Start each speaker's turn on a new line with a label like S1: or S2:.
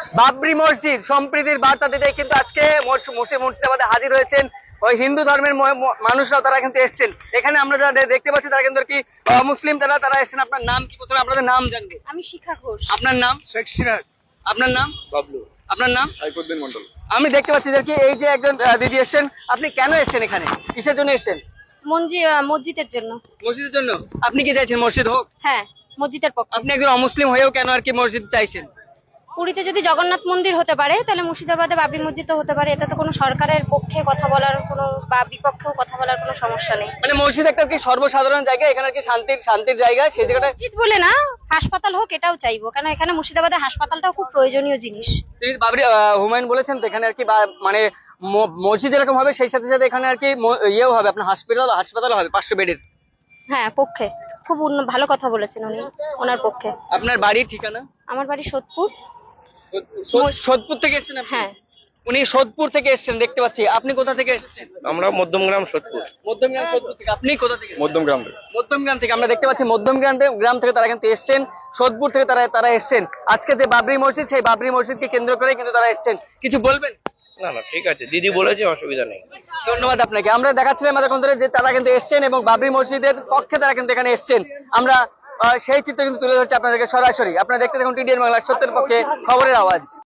S1: বাবরি মসজিদ সম্প্রীতির বার্তা দিতে কিন্তু আজকে মুর্শিদাবাদে হাজির হয়েছেন ওই হিন্দু ধর্মের মানুষরাও, তারা কিন্তু এসেছেন এখানে। আমরা যারা দেখতে পাচ্ছি তারা কিন্তু কি মুসলিম, তারা এসেছেন। আপনার নাম কি? প্রথমে আপনাদের নাম জানবো।
S2: আমি শিখা ঘোষ।
S1: আপনার নাম?
S3: শেখ সিরাজ।
S1: আপনার নাম?
S3: বাবলু।
S1: আপনার নাম?
S3: সাইফুদ্দিন মন্ডল।
S1: আমি দেখতে পাচ্ছি যে কি এই যে একজন দিদি এসেছেন, আপনি কেন এসেছেন এখানে, কিসের জন্য এসেছেন?
S2: মসজিদের জন্য।
S1: মসজিদের জন্য। আপনি কি চাইছেন মসজিদ হোক?
S2: হ্যাঁ, মসজিদের পক্ষে।
S1: আপনি একজন অমুসলিম হয়েও কেন আর কি মসজিদ চাইছেন?
S2: পুরীতে যদি জগন্নাথ মন্দির হতে পারে তাহলে মুর্শিদাবাদে বাবরি মসজিদও হতে পারে। এটা তো কোনো সরকারের পক্ষে কথা বলার কোনো বা বিপক্ষেও কথা বলার কোনো সমস্যা নেই।
S1: মানে মসজিদ একটা কি সর্বসাধারণ জায়গা, এখানে কি শান্তির জায়গা, সেই জায়গাটা
S2: মসজিদ বলে না, হাসপাতাল হোক এটাও চাইবো, কারণ এখানে মুর্শিদাবাদে হাসপাতালটাও খুব প্রয়োজনীয় জিনিস।
S1: তিনি বাবরি হুমায়ুন বলেছেন তো এখানে আর কি মানে মসজিদ এরকম হবে, সেই সাথে সাথে এখানে আর কি ইয়েও হবে, আপনার হাসপাতাল হবে 500 বেডের।
S2: হ্যাঁ, পক্ষে খুব ভালো কথা বলেছেন উনি, ওনার পক্ষে।
S1: আপনার বাড়ির ঠিকানা?
S2: আমার বাড়ি সোদপুর।
S1: সোদপুর থেকে এসেছেন আপনি?
S2: হ্যাঁ।
S1: উনি সোদপুর থেকে এসেছেন দেখতে পাচ্ছি। আপনি কোথা থেকে এসেছেন?
S3: আমরা মধ্যমগ্রাম সোদপুর।
S1: মধ্যমগ্রাম সোদপুর থেকে। আপনি কোথা থেকে এসেছেন?
S3: মধ্যমগ্রাম।
S1: মধ্যমগ্রাম থেকে। আমরা দেখতে পাচ্ছি গ্রাম থেকে তারা কিন্তু এসেছেন, সোদপুর থেকে তারা এসেছেন। আজকে যে বাবরি মসজিদ, সেই বাবরি মসজিদকে কেন্দ্র করে কিন্তু তারা এসেছেন। কিছু বলবেন?
S3: না না, ঠিক আছে, দিদি বলেছে, অসুবিধা নেই।
S1: ধন্যবাদ আপনাকে। আমরা দেখাচ্ছিলাম আমাদের কোন যে তারা কিন্তু এসেছেন এবং বাবরি মসজিদের পক্ষে তারা কিন্তু এখানে এসেছেন। আমরা সেই চিত্র কিন্তু তুলে ধরছি আপনাদেরকে সরাসরি। আপনারা দেখতে থাকুন টিডিএন বাংলা, সত্যের পক্ষে খবরের আওয়াজ।